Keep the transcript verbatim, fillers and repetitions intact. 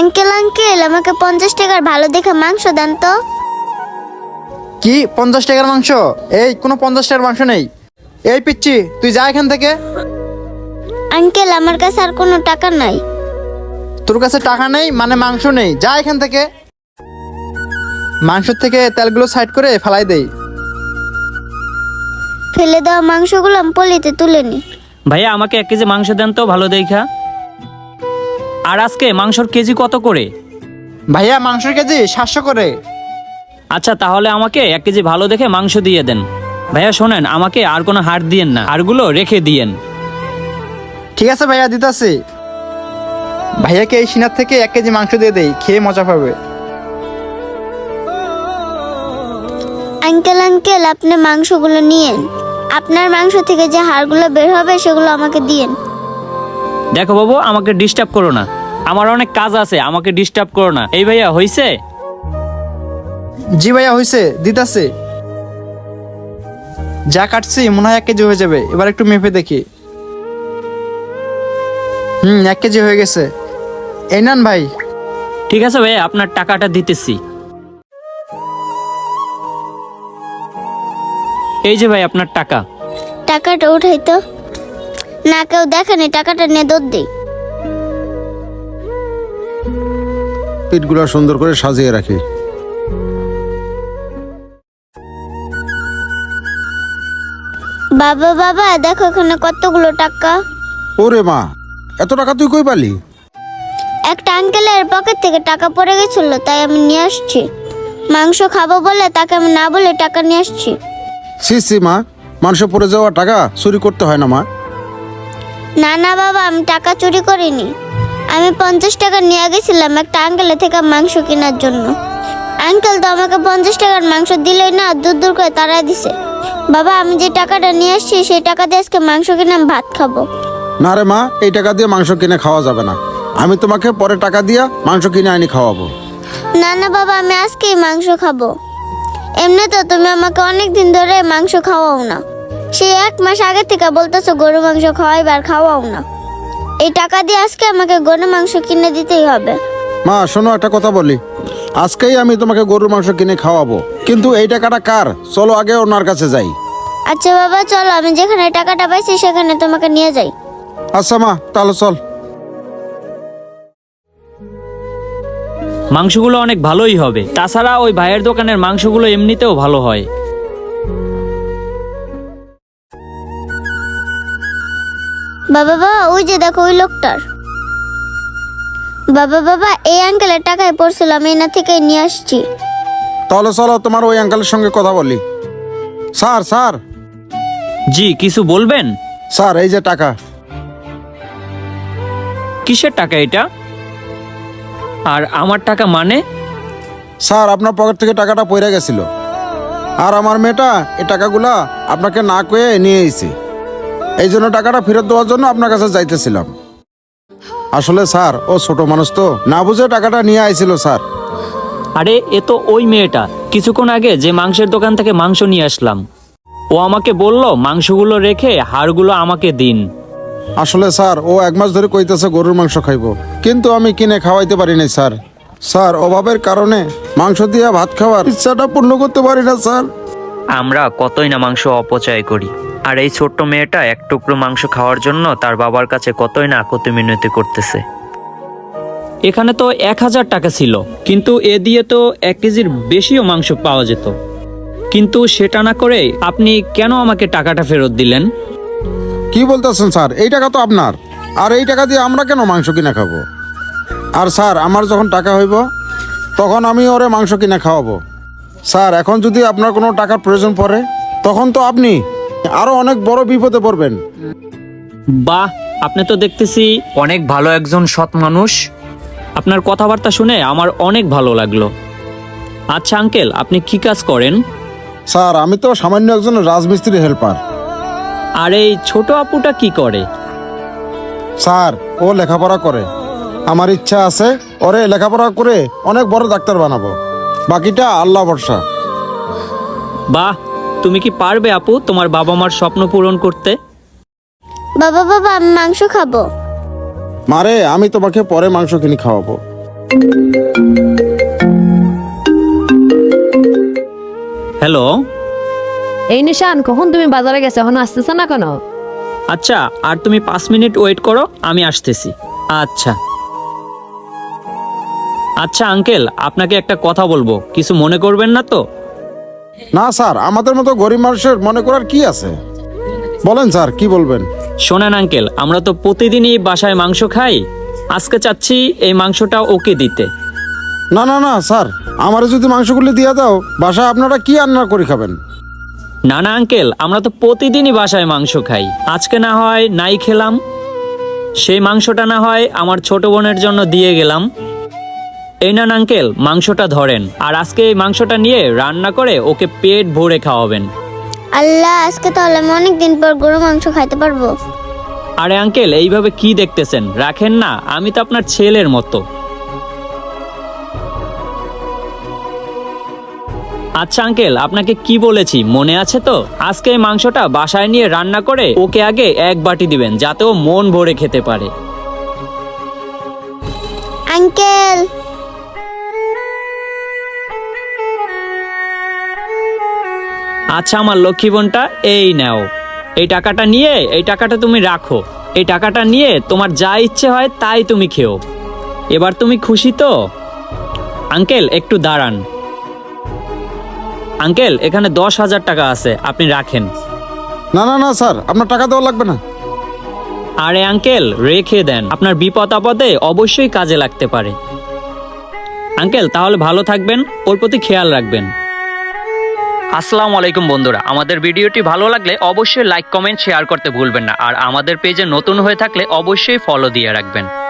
Uncle uncle আমাকে পঞ্চাশ টাকার ভালো দেখে মাংস দেন তো। কি পঞ্চাশ টাকার মাংস? এই কোনো পঞ্চাশ টাকার মাংস নেই। এই পিচ্ছি, তুই যা এখান থেকে। আঙ্কেল আমার কাছে আর কোনো টাকা নাই। তোর কাছে টাকা নেই মানে মাংস নেই, যা এখান থেকে। মাংস থেকে তেলগুলো সাইড করে ফেলাই দেই। ফেলে দেওয়া মাংসগুলো আমি পলিতে তুলে নি। ভাইয়া আমাকে এক কেজি মাংস দেন তো ভালো দেখা। আর আজকে মাংসর কেজি কত করে? ভাইয়া মাংসের কেজি সাতশো করে। আচ্ছা তাহলে আমাকে এক কেজি ভালো দেখে মাংস দিয়ে দেন। ভাইয়া শোনেন, আমাকে আর কোনো হাড় দিয়েন না, হাড়গুলো রেখে দিয়েন। ঠিক আছে ভাইয়া, দিতাছি। ভাইয়াকে এই সিনার থেকে এক কেজি মাংস দিয়ে দেই, খেয়ে মজা পাবে। আঙ্কেল আঙ্কেল আপনি মাংসগুলো নিয়েন। আপনার মাংস থেকে যে হাড়গুলো বের হবে সেগুলো আমাকে দিয়েন। দেখো বাবু, আমাকে ডিস্টার্ব করো না, আমার অনেক কাজ আছে, আমাকে ডিস্টার্ব করো না। এই ভাইয়া হইছে? জি ভাইয়া হয়েছে, দিতাছি। যা কাটছি মনে হয় এক কেজি হয়ে যাবে। এবার একটু মেপে দেখি। হুম, এক কেজি হয়ে গেছে। এই নেন ভাই। ঠিক আছে ভাইয়া, আপনার টাকাটা দিতেছি। এই যে ভাই আপনার টাকা। টাকাটা উঠাই তো। না কেউ দেখেনি, টাকাটা নিয়ে দৌড় দিই। পিঠগুলো সুন্দর করে সাজিয়ে রাখি। বাবা বাবা দেখো এখানে কতগুলো টাকা। ওরে মা, এত টাকা তুই কই পালি? একটা আঙ্কেলের পকেট থেকে টাকা পড়ে গেছিল, তাই আমি নিয়ে আসছি। মাংস খাবো বলে তাকে আমি না বলে টাকা নিয়ে আসছি। সি সি মা, মানুষ পড়ে যাওয়া টাকা চুরি করতে হয় না মা। না না বাবা, আমি টাকা চুরি করিনি। আমি পঞ্চাশ টাকা নিয়ে গেছিলাম একটা আঙ্কেলের থেকে মাংস কেনার জন্য। আঙ্কেল তো আমাকে পঞ্চাশ টাকার মাংস দিলেই না, দূর দূর করে তাড়াই দিছে। বাবা আমি যে টাকাটা নিয়ে আসছি সেই টাকা দিয়ে আজকে মাংস কিনে আমি ভাত খাবো। না রে মা, এই টাকা দিয়ে মাংস কিনে খাওয়া যাবে না। আমি তোমাকে পরে টাকা দিয়া মাংস কিনে আনি খাওয়াবো। না না বাবা, আমি আজকেই মাংস খাবো। এমনি তো তুমি আমাকে অনেক দিন ধরে মাংস খাওয়াও না। সেই এক মাস আগে থেকে বলতেছো গরু মাংস খাওয়াইবার, খাওয়াও না। এই টাকা দিয়ে আজকে আমাকে গরু মাংস কিনে দিতেই হবে। মা শোনো, একটা কথা বলি। আজকেই আমি তোমাকে গরুর মাংস কিনে খাওয়াবো, কিন্তু এই টাকাটা কার? চলো আগে ওনার কাছে যাই। আচ্ছা বাবা চলো, আমি যেখানে টাকাটা পাইছি সেখানে তোমাকে নিয়ে যাই। আচ্ছা মা, তাহলে চল। মাংসগুলো অনেক ভালোই হবে, তাছাড়া ওই ভাইয়ের দোকানের মাংসগুলো এমনিতেও ভালো হয়। বাবা বাবা ওই যে দেখো ওই লোকটার। বাবা বাবা এই আঙ্কেলের টাকায় পড়ছিল, আমি এনা থেকে নিয়ে আসছি। তাহলে চলো তোমার ওই আঙ্কেলের সঙ্গে কথা বলি। স্যার স্যার জি, কিছু বলবেন? স্যার এই যে টাকা। কিসের টাকা এটা? আর আমার টাকা মানে? স্যার আপনার পকেট থেকে টাকাটা পড়ে গেছিল, আর আমার মেয়েটা এই টাকাগুলা আপনাকে না কয়ে নিয়ে এসেছে। এই জন্য টাকাটা ফেরত দেওয়ার জন্য আপনার কাছে যাইতেছিলাম। আসলে স্যার ও ছোট মানুষ তো, না বুঝে টাকাটা নিয়ে আইছিল স্যার। আরে এ তো ওই মেয়েটা, কিছুক্ষণ আগে যে মাংসের দোকান থেকে মাংস নিয়ে আসলাম। ও আমাকে বলল মাংসগুলো রেখে হাড়গুলো আমাকে দিন। আসলে স্যার ও এক মাস ধরে কইতেছে গরুর মাংস খাইবো, কিন্তু আমি কিনে খাওয়াইতে পারি নাই স্যার। স্যার অভাবের কারণে মাংস দিয়ে ভাত খাওয়ার ইচ্ছাটা পূর্ণ করতে পারি না স্যার। আমরা কতই না মাংস অপচয় করি, আর এই ছোট্ট মেয়েটা এক টুকরো মাংস খাওয়ার জন্য তার বাবার কাছে কতই না আকতি মিনতি করতেছে। এখানে তো এক হাজার টাকা ছিল, কিন্তু এ দিয়ে তো এক কেজির বেশিও মাংস পাওয়া যেত। কিন্তু সেটা না করে আপনি কেন আমাকে টাকাটা ফেরত দিলেন? কি বলতেছেন স্যার? এই টাকা তো আপনার, আর এই টাকা দিয়ে আমরা কেন মাংস কিনে খাবো? আর স্যার আমার যখন টাকা হইব তখন আমি ওরে মাংস কিনে খাওয়াবো। স্যার এখন যদি আপনার কোনো টাকার প্রয়োজন পড়ে তখন তো আপনি আরো অনেক বড় বিপদে পড়বেন। বাহ, আপনি তো দেখতেছি অনেক ভালো একজন সৎ মানুষ। আপনার কথাবার্তা শুনে আমার অনেক ভালো লাগলো। আচ্ছা আঙ্কেল, আপনি কি কাজ করেন? স্যার আমি তো সামান্য একজন রাজমিস্ত্রি হেল্পার। আর এই ছোট আপুটা কি করে? স্যার ও লেখাপড়া করে। আমার ইচ্ছা আছে ওরে লেখাপড়া করে অনেক বড় ডাক্তার বানাবো, বাকিটা আল্লাহ ভরসা। বাহ, তুমি কি পারবে আপু তোমার বাবা মার স্বপ্ন পূরণ করতে? বাবা বাবা আমি মাংস খাবো। মারে আমি তোমাকে পরে মাংস কিনে খাওয়াবো, হ্যালো। এই নিশান, কখন তুমি বাজারে গেছো, এখন আসতেছ না কেন? আচ্ছা, আর তুমি পাঁচ মিনিট ওয়েট করো, আমি আসতেছি। আচ্ছা আচ্ছা আঙ্কেল, আপনাকে একটা কথা বলবো, কিছু মনে করবেন না তো? না স্যার, আমাদের মতো গরিব মানুষের মনে করার কি আছে, বলেন স্যার কি বলবেন। শোনেন আঙ্কেল, আমরা তো প্রতিদিনই বাসায় মাংস খাই, আজকে চাচ্ছি এই মাংসটা ওকে দিতে। না না না স্যার, আমারে যদি মাংসগুলি দিয়ে দাও, বাসায় আপনারা কি রান্না করে খাবেন? না না আঙ্কেল, আমরা তো প্রতিদিনই বাসায় মাংস খাই, আজকে না হয় নাই খেলাম, সেই মাংসটা না হয় আমার ছোট বোনের জন্য দিয়ে গেলাম। এই না আঙ্কেল, মাংসটা ধরেন, আর আজকে এই মাংসটা নিয়ে রান্না করে ওকে পেট ভরে খাওয়াবেন। আল্লাহ, আজকে তাহলে আমি অনেকদিন পর গরু মাংস খাইতে পারবো। আরে আঙ্কেল, এইভাবে কি দেখতেছেন, রাখেন না, আমি তো আপনার ছেলের মতো। আচ্ছা আঙ্কেল, আপনাকে কি বলেছি মনে আছে তো? আজকে এই মাংসটা বাসায় নিয়ে রান্না করে ওকে আগে এক বাটি দিবেন, যাতে ও মন ভরে খেতে পারে। আঙ্কেল, আচ্ছা আমার লক্ষ্মী বোনটা, এই নাও, এই টাকাটা নিয়ে এই টাকাটা তুমি রাখো, এই টাকাটা নিয়ে তোমার যা ইচ্ছে হয় তাই তুমি খেও। এবার তুমি খুশি তো? আঙ্কেল একটু দাঁড়ান। আঙ্কেল, এখানে দশ হাজার টাকা আছে, আপনি রাখেন। না না না স্যার, আপনার টাকা দেওয়া লাগবে না। আরে আঙ্কেল, রেখে দেন, আপনার বিপদ আপদে অবশ্যই কাজে লাগতে পারে। আঙ্কেল তাহলে ভালো থাকবেন, ওর প্রতি খেয়াল রাখবেন। আসসালামু আলাইকুম বন্ধুরা, আমাদের ভিডিওটি ভালো লাগলে অবশ্যই লাইক কমেন্ট শেয়ার করতে ভুলবেন না, আর আমাদের পেজে নতুন হয়ে থাকলে অবশ্যই ফলো দিয়ে রাখবেন।